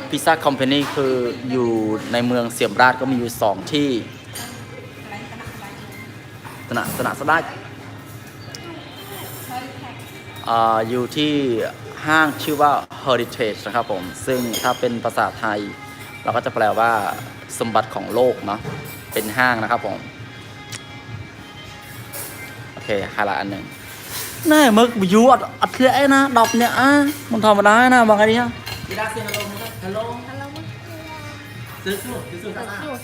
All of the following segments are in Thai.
พิซซ่าคอมพานีคืออยู่ในเมืองเสียมราชก็มีอยู่2ที่สนะสดาอยู่ที่ห้างชื่อว่า Heritage นะครับผมซึ่งถ้าเป็นภาษาไทยเราก็จะแปลว่าสมบัติของโลกเนาะเป็นห้างนะครับผมโอเคไฮไลท์อันหนึ่งนี่มึกอยู่อัดเทะนะดอกเนี่ยมันธรรมดานะบางทีนะดีด้าเซียนฮัลโหลฮัลโหลฮัลโหลซื้อตา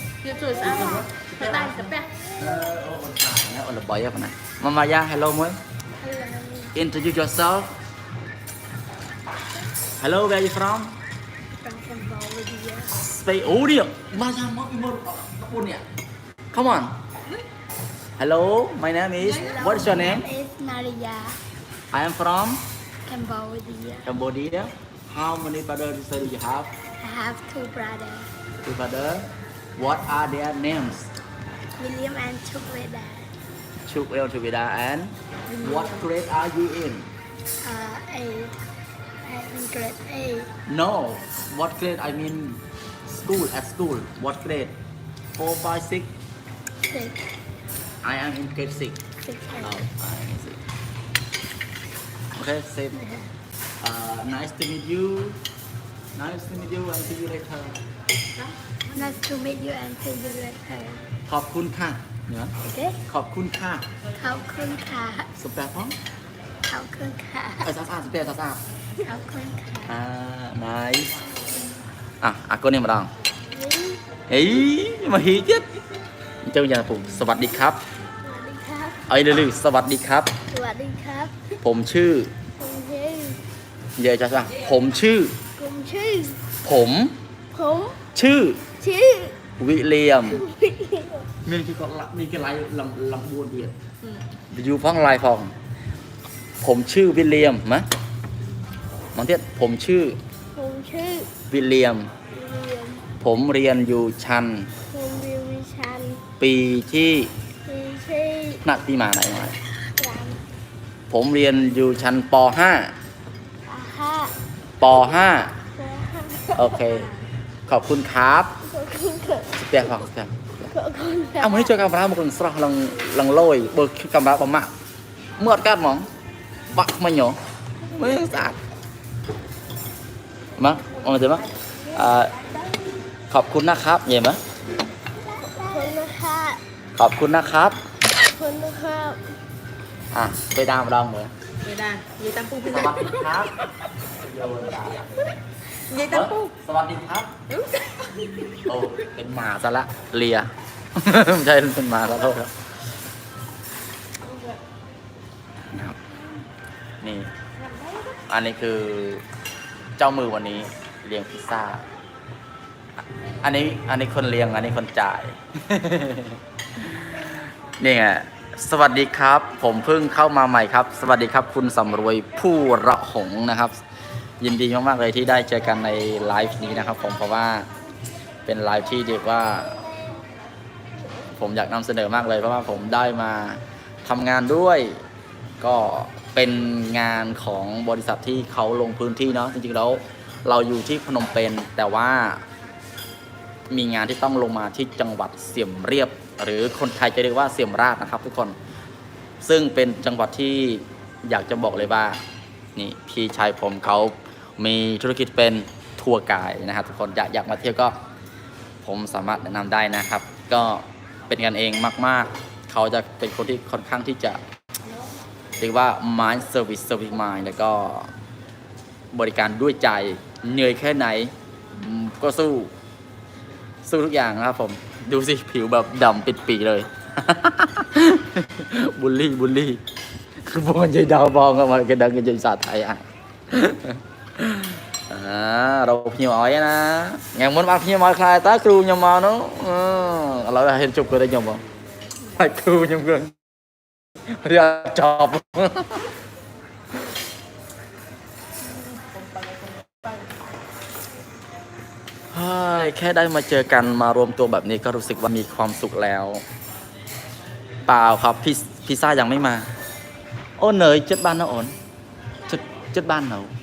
ได้แต่แป๊ะโอ้ละบ่อยอะปะนะมายาฮัลโหลมั้ย introduce yourself hello where you from from Cambodia Spain oh dia bahasa mau imur apun ya come on hello my name is what is your name is Nadia I am from Cambodia how many brothers do you have I have two brothers two brothers what are their names William and Chukweda Chukwel Chubida and what grade are you in eight in grade 8 no what grade I mean school at school what grade 4 5 6 6 I am in grade 6 6 oh I am in 6 okay same nice to meet you and see you later nice to meet you and see you later ขอบคุณค่ะเนี่ย okay ขอบคุณค่ะขอบคุณค่ะสเปรย์พ้องขอบคุณค่ะสะอาดสเปรย์สะอาดขอบคุณค่ะ nice aku nih madang mà hí chết trong nhàผมสวัสดีครับสวัสดีครับเอาเลยสวัสดีครับสวัสดีครับผมชื่อผมชื่อเดี๋ยวจะสั่งผมชื่อผมชื่อผมผมชื่อชื่อวิลเลียมมีกี่คนละมีกี่ลายลำบวนเดียดอยู่พ้องลายพองผมชื่อวิลเลียมมะมองเทียผมชื่อผมชื่อวิลเลียมเรียนผมเรียนอยู่ชั้นผมเรียนวิชาปีที่ปีที่นักที่มาไหนมาสามผมเรียนอยู่ชั้นป .5 ห้าป .5 ห้าโอเคขอบคุณครับขอบคุณค่ะสเปียร์ฟังสเปียร์ขอบคุณค่ะวันนี้เจอกัมราmột lần sau lần lôi bơกัมราบมากเมื่อกัดหมองบักไม่หยอไม่สะอาดมั้งมองเห็นมั้ยขอบคุณนะครับเห็นมั้ยขอบคุณนะคะขอบคุณนะครับขอบคุณนะคะไปดามดองเหมือน Vậy đà, vậy tam phu สวัสดีครับโยนดา Vậy tam phu สวัสดีครับโอ้เป็นหมาซะละเลียไม่ใช่เป็นหมาขอโทษครับนะครับนี่อันนี้คือเจ้ามือวันนี้เลี้ยงพิซซ่าอันนี้คนเลี้ยงอันนี้คนจ่าย นี่ไงสวัสดีครับผมเพิ่งเข้ามาใหม่ครับสวัสดีครับคุณสำรวยผู้ระหงนะครับยินดีมากๆเลยที่ได้เจอกันในไลฟ์นี้นะครับผมเพราะว่าเป็นไลฟ์ที่เรียกว่าผมอยากนำเสนอมากเลยเพราะว่าผมได้มาทำงานด้วยก็เป็นงานของบริษัทที่เขาลงพื้นที่เนาะจริงๆแล้วเราอยู่ที่พนมเปญแต่ว่ามีงานที่ต้องลงมาที่จังหวัดเสียมเรียบหรือคนไทยจะเรียกว่าเสียมราชนะครับทุกคนซึ่งเป็นจังหวัดที่อยากจะบอกเลยว่านี่พี่ชายผมเขามีธุรกิจเป็นทัวร์ไกด์นะครับทุกคนอยากมาเที่ยวก็ผมสามารถแนะนำได้นะครับก็เป็นกันเองมากๆเขาจะเป็นคนที่ค่อนข้างที่จะเรียกว่า mind service mind แล้วก็บริการด้วยใจเหนื่อยแค่ไหนก็สู้ทุกอย่างนะครับผมดูสิผิวแบบดำปิดปีเลย บุลลี่คือพวกมันใจดาวบองกันมากันดังกันใจสาไทยเราพิมพ์เอาไว้นะอย่างมันมาพิมพ์มาใครตาครูยังมาเนาะเราเห็นจุกก็ได้ยังบ่ไอ้ครูยังเกินเรียกจอบแค่ได้มาเจอกันมารวมตัวแบบนี้ก็รู้สึกว่ามีความสุขแล้วเปล่าครับพิซซ่ายังไม่มาโอ้เหนื่อยจัดบ้านนะโอนจัดบ้านเหรอ